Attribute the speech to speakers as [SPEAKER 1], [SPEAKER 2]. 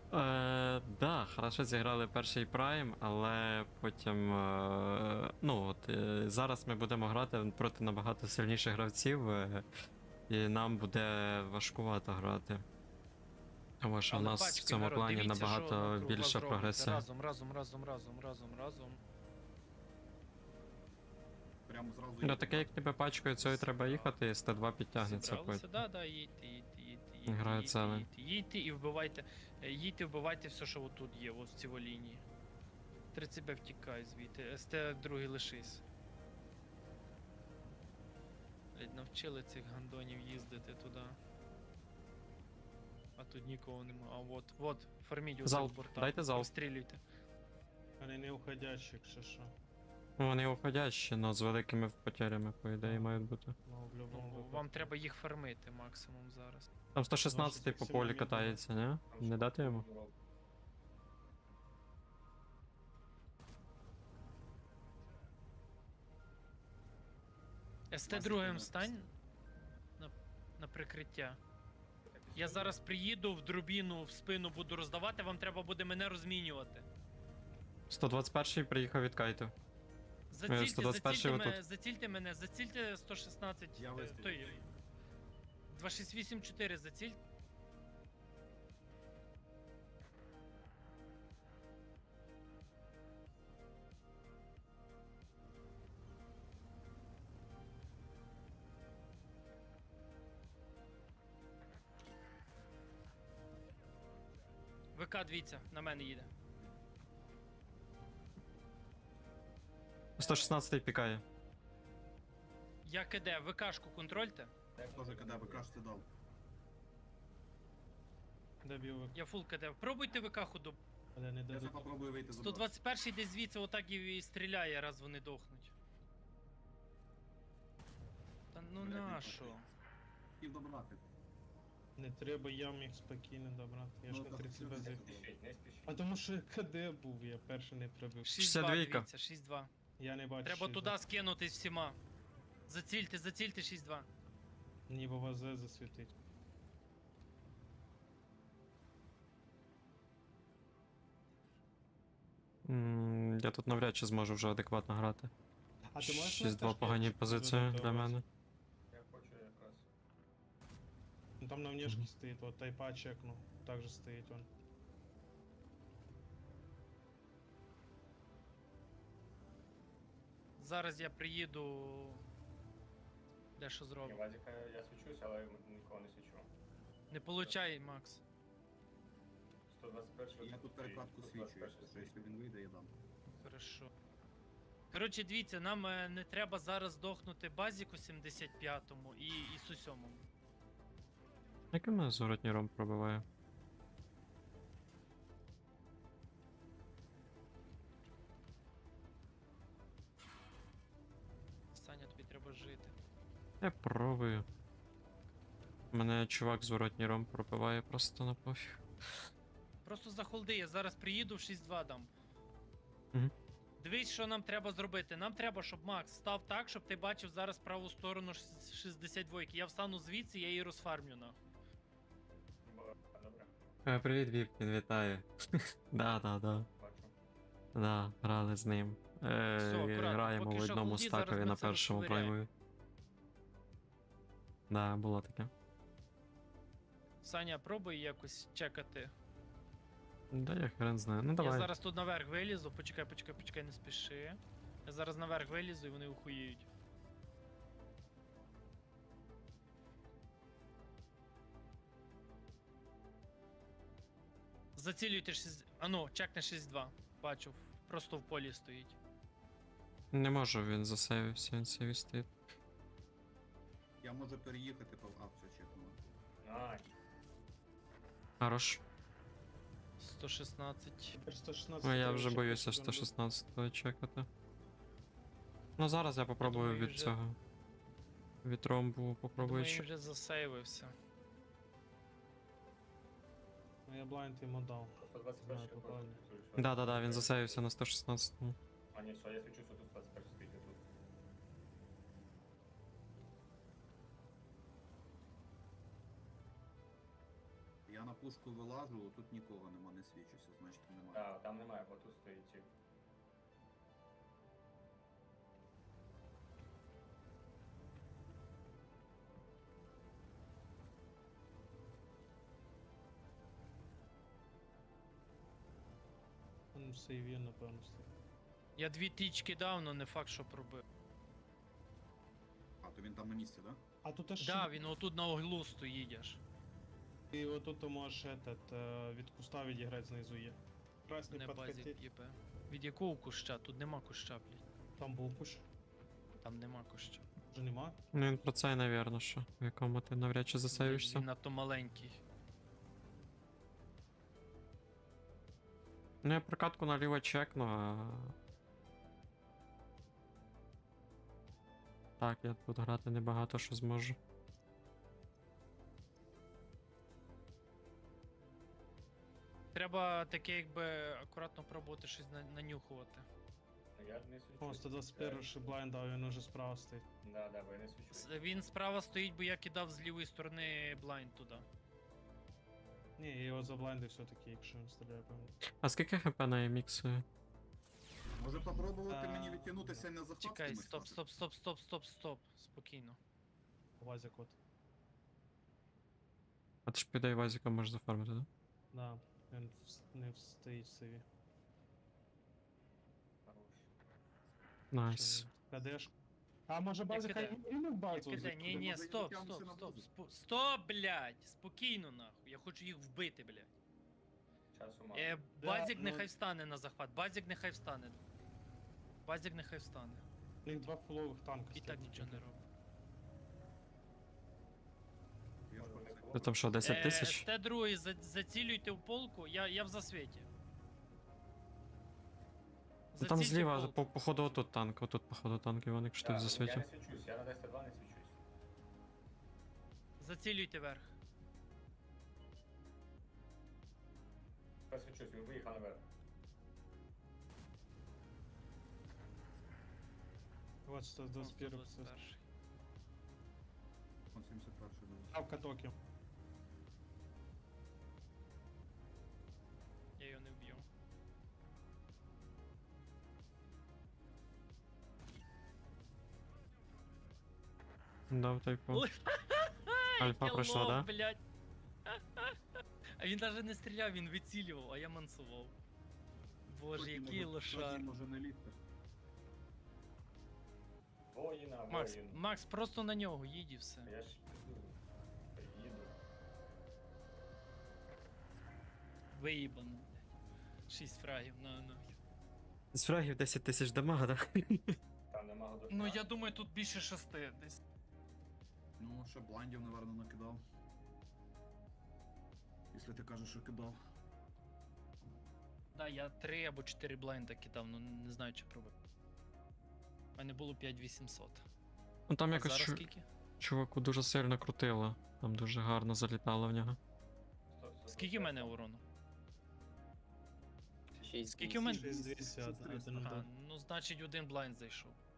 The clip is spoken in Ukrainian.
[SPEAKER 1] Да, хорошо зіграли перший прайм, але потім. Зараз ми будемо грати проти набагато сильніших гравців, і нам буде важкувато грати. Тому що в
[SPEAKER 2] Але
[SPEAKER 1] нас в
[SPEAKER 2] пачки,
[SPEAKER 1] цьому
[SPEAKER 2] народ,
[SPEAKER 1] плані
[SPEAKER 2] дивіться, що
[SPEAKER 1] набагато
[SPEAKER 2] навкруг вас
[SPEAKER 1] більша
[SPEAKER 2] робиться.
[SPEAKER 1] прогресія.
[SPEAKER 2] Разом.
[SPEAKER 3] Прямо зразу
[SPEAKER 1] Ну таке, як тебе пачкою, цього і треба їхати, і Ст2 підтягнеться
[SPEAKER 2] Зібралися,
[SPEAKER 1] потім.
[SPEAKER 2] да, їдьте,
[SPEAKER 1] Грає целий.
[SPEAKER 2] їдьте і вбивайте. Їдьте, вбивайте все, що отут є, ось в цій лінії. 30Б втікай звідти, СТ другий лишись. Блять, навчили цих гандонів їздити туди. А тут нікого нема. А вот, фарміть
[SPEAKER 1] Залп,
[SPEAKER 2] оцих борта.
[SPEAKER 1] дайте залп.
[SPEAKER 2] Розстрілюйте.
[SPEAKER 4] Вони не уходящі, якщо що.
[SPEAKER 1] Ну, вони уходящі, але з великими потерями, по ідеї, мають бути.
[SPEAKER 4] Ну, в любому
[SPEAKER 2] Ну,
[SPEAKER 4] випадку.
[SPEAKER 2] вам треба їх фармити максимум зараз.
[SPEAKER 1] Там 116 по полі катається, не? Не дати йому?
[SPEAKER 2] СТ другим стань на прикриття. Я зараз приїду в дробіну в спину буду роздавати, вам треба буде мене розмінювати.
[SPEAKER 1] 121-й приїхав від кайту.
[SPEAKER 2] Зацільте мене, зацільте 116.
[SPEAKER 3] Я вистрілю.
[SPEAKER 2] Той 2684, заціль. ВК, дивіться, на мене їде.
[SPEAKER 1] 116-й пікає.
[SPEAKER 2] Я КД, ВКшку контрольте.
[SPEAKER 3] Тоже когда ви кажете дав.
[SPEAKER 4] Добив,
[SPEAKER 2] Я фул КД. Пробуйте ВК ходу.
[SPEAKER 4] але не
[SPEAKER 3] Я
[SPEAKER 4] дадуть.
[SPEAKER 3] попробую вийти за
[SPEAKER 2] 121 десь звідси отак і стріляє, раз вони дохнуть. Та ну
[SPEAKER 3] Блядь, не
[SPEAKER 2] нащо?
[SPEAKER 3] потрібно. Хотів добрати.
[SPEAKER 4] Не треба, я міг спокійно добрати. Я ж
[SPEAKER 3] Ну,
[SPEAKER 4] на
[SPEAKER 3] так,
[SPEAKER 4] 30
[SPEAKER 3] не
[SPEAKER 4] без.
[SPEAKER 3] спішіть,
[SPEAKER 4] А тому що КД був, я перший не пробив.
[SPEAKER 2] 6-2,
[SPEAKER 1] 62-ка.
[SPEAKER 2] дивіться, 6-2.
[SPEAKER 4] Я не бачу.
[SPEAKER 2] Треба
[SPEAKER 4] що
[SPEAKER 2] туди скинутись всіма. Зацільте 6-2.
[SPEAKER 4] Ніби ВЗ засвітить.
[SPEAKER 1] Я тут навряд чи зможу вже адекватно грати.
[SPEAKER 4] А ти можеш
[SPEAKER 1] 6-2 погані позиції для мене.
[SPEAKER 5] Я хочу якраз.
[SPEAKER 4] Ну там на внешке стоїть, от тайпа чекну. Также стоїть он.
[SPEAKER 2] Зараз я приїду. Дещо
[SPEAKER 5] Ні,
[SPEAKER 2] зроблю.
[SPEAKER 5] Вадіка я свічусь, але нікого не свічу.
[SPEAKER 2] Не получай, Макс.
[SPEAKER 5] 121
[SPEAKER 3] Я тут перекладку свічу, якщо він вийде, я дам.
[SPEAKER 2] Хорошо. Коротше, дивіться, нам не треба зараз здохнути Базіку 75-му і Ісу 7-му.
[SPEAKER 1] Який мене зворотній ром пробиває?
[SPEAKER 2] Саня, тобі треба жити.
[SPEAKER 1] Я пробую. Мене чувак зворотній ром пробиває просто на пофіг.
[SPEAKER 2] Просто захолди, я зараз приїду в 6-2 дам.
[SPEAKER 1] Мгм.
[SPEAKER 2] Дивись, що нам треба зробити. Нам треба, щоб Макс став так, щоб ти бачив зараз праву сторону 62-ки. Я встану звідси, я її розфармлю нахуй.
[SPEAKER 5] Добре,
[SPEAKER 1] Привіт, Віпкін, вітаю. Да.
[SPEAKER 5] бачу.
[SPEAKER 1] Да, грали з ним.
[SPEAKER 2] акуратно,
[SPEAKER 1] Граємо
[SPEAKER 2] поки
[SPEAKER 1] в
[SPEAKER 2] що
[SPEAKER 1] одному
[SPEAKER 2] голді, зараз
[SPEAKER 1] стакові
[SPEAKER 2] ми
[SPEAKER 1] на
[SPEAKER 2] це
[SPEAKER 1] першому
[SPEAKER 2] розковиряємо.
[SPEAKER 1] праймові. Да, було таке.
[SPEAKER 2] Саня, пробуй якось чекати.
[SPEAKER 1] Да, я хрен знаю. Ну
[SPEAKER 2] Я
[SPEAKER 1] давай.
[SPEAKER 2] зараз тут наверх вилізу, почекай, не спіши. Я зараз наверх вилізу і вони ухуєють. Зацілюйте 6. Ану, чекне 6-2. Бачу, просто в полі стоїть.
[SPEAKER 1] Не можу, він засейвився, він сейві стоїть.
[SPEAKER 3] Я можу переїхати, а, все чекну.
[SPEAKER 5] Найс.
[SPEAKER 1] Хорош.
[SPEAKER 2] 116.
[SPEAKER 4] Тепер 116.
[SPEAKER 1] Ну я вже
[SPEAKER 4] чекаю,
[SPEAKER 1] боюся
[SPEAKER 4] щоб він
[SPEAKER 1] 116-го чекати. Ну зараз я попробую
[SPEAKER 2] думаю,
[SPEAKER 1] від
[SPEAKER 2] вже-
[SPEAKER 1] цього. Від ромбу попробую
[SPEAKER 2] Думаю, він
[SPEAKER 1] чекати.
[SPEAKER 2] вже засейвився.
[SPEAKER 4] був. Ну я блайнд йому дав.
[SPEAKER 5] 121
[SPEAKER 4] Знаю,
[SPEAKER 5] я
[SPEAKER 4] попали.
[SPEAKER 5] просто фіксую, що-
[SPEAKER 1] Да, він засейвився на 116-му.
[SPEAKER 5] А ні, все, я свічусь, тут 121 стоїть тут.
[SPEAKER 3] Я Я на пушку вилажу, тут нікого нема, не свічуся, значить немає.
[SPEAKER 5] Так, там немає, бо тут стоїть тип.
[SPEAKER 4] Ну, сейві, напевно, стоїть.
[SPEAKER 2] Я 2 тички дав, но не факт, що пробив.
[SPEAKER 3] А, то він там на місці, да?
[SPEAKER 4] А тут аж
[SPEAKER 2] Да, він отут на углу стоїть аж.
[SPEAKER 4] і отут ти можеш від куста відіграти знизу є. Красний
[SPEAKER 2] Не базік
[SPEAKER 4] підкатить.
[SPEAKER 2] ЄП. Від якого куща? Тут нема куща, блядь.
[SPEAKER 4] Там був куш.
[SPEAKER 2] Там нема куща.
[SPEAKER 4] Вже нема.
[SPEAKER 1] Ну він про це, навірно, що, в якому ти навряд чи засейвишся.
[SPEAKER 2] Він надто маленький.
[SPEAKER 1] Ну я прокатку наліво чекну, а... Так, я тут грати небагато що зможу.
[SPEAKER 2] Треба таке, якби акуратно пробувати щось нанюхувати.
[SPEAKER 5] Ну, я не свічусь.
[SPEAKER 4] О, 121 ще блайнд дав, він уже справа стоїть.
[SPEAKER 5] Да, бо я не свічусь.
[SPEAKER 2] Він справа стоїть, бо я кидав з лівої сторони блайнд туди.
[SPEAKER 4] Ні, я його заблайндив все-таки, якщо він стріляє, певно.
[SPEAKER 1] А скільки хп на еміксу?
[SPEAKER 3] Може попробувати
[SPEAKER 4] А,
[SPEAKER 3] мені відтягнутися на захват?
[SPEAKER 2] Чекай,
[SPEAKER 3] кимось
[SPEAKER 2] стоп,
[SPEAKER 3] стати?
[SPEAKER 2] стоп, стоп, стоп, стоп, стоп. Спокійно.
[SPEAKER 4] Вазик от.
[SPEAKER 1] А ти ж піде Вазіка можеш зафармити, так?
[SPEAKER 4] Да, він не встоїть в сейві.
[SPEAKER 5] Хорош.
[SPEAKER 1] Найс.
[SPEAKER 4] КДш. А може базик
[SPEAKER 2] кидаю.
[SPEAKER 4] хай і не в базу?
[SPEAKER 2] Кидай, ні, ні,
[SPEAKER 3] може,
[SPEAKER 2] стоп,
[SPEAKER 3] відтягнутися
[SPEAKER 2] стоп,
[SPEAKER 3] на
[SPEAKER 2] стоп,
[SPEAKER 3] базу?
[SPEAKER 2] стоп, блядь, спокійно нахуй. Я хочу їх вбити, блядь.
[SPEAKER 5] Часу мало.
[SPEAKER 2] Базік
[SPEAKER 4] ну-
[SPEAKER 2] нехай встане на захват, базік нехай встане. Базік нехай встане.
[SPEAKER 4] У них 2 фулових танка
[SPEAKER 2] І так
[SPEAKER 4] стоять.
[SPEAKER 2] нічого не робить.
[SPEAKER 3] Я ж
[SPEAKER 5] Може,
[SPEAKER 3] про
[SPEAKER 5] не
[SPEAKER 3] це.
[SPEAKER 5] було?
[SPEAKER 1] Ти там що, 10 тисяч?
[SPEAKER 2] СТ-2 зацілюйте в полку, я в засвіті.
[SPEAKER 1] Ну, там
[SPEAKER 2] Зацільте
[SPEAKER 1] зліва,
[SPEAKER 2] полк.
[SPEAKER 1] походу, отут танк, отут, походу, танк, Іван, якщо ти в
[SPEAKER 5] Я
[SPEAKER 1] засвіті.
[SPEAKER 5] не свічусь, я на 10-2 не свічусь.
[SPEAKER 2] Зацілюйте верх.
[SPEAKER 5] Я свічусь, він виїхав наверх.
[SPEAKER 4] Вот 121
[SPEAKER 2] 121.
[SPEAKER 3] Он 71-й був.
[SPEAKER 4] Ставка токи.
[SPEAKER 2] Я його не вб'ю.
[SPEAKER 1] Дав тайпу.
[SPEAKER 2] Ой,
[SPEAKER 1] Альфа
[SPEAKER 2] я
[SPEAKER 1] пройшла,
[SPEAKER 2] лох,
[SPEAKER 1] да?
[SPEAKER 2] блядь. А він навіть не стріляв, він вицілював, а я мансував. Боже,
[SPEAKER 3] Тоді
[SPEAKER 2] який
[SPEAKER 3] може-
[SPEAKER 2] лошар.
[SPEAKER 3] тоді може не лізти.
[SPEAKER 5] Воїна,
[SPEAKER 2] Макс,
[SPEAKER 5] воїн.
[SPEAKER 2] Макс, просто на нього їдь і все.
[SPEAKER 5] Я ж піду. Приїду.
[SPEAKER 2] Виїбано, блядь. 6 фрагів, на.
[SPEAKER 1] З фрагів 10 тисяч дамага, так?
[SPEAKER 5] Там нема годов.
[SPEAKER 2] Ну я думаю, тут більше 6 десь.
[SPEAKER 3] Ну, ще блайндів, наверно, накидав. Якщо ти кажеш, що кидав.
[SPEAKER 2] Да, я 3 або 4 блайнда кидав, ну не знаю, чи пробив. У мене було 5800.
[SPEAKER 1] Ну там
[SPEAKER 2] А
[SPEAKER 1] якось
[SPEAKER 2] зараз скільки?
[SPEAKER 1] чуваку дуже сильно крутило. Там дуже гарно залітало в нього.
[SPEAKER 2] Скільки в мене урону? Скільки в мене?
[SPEAKER 4] 6200, один
[SPEAKER 2] Ага,
[SPEAKER 4] удар.
[SPEAKER 2] ну значить один блайнд зайшов.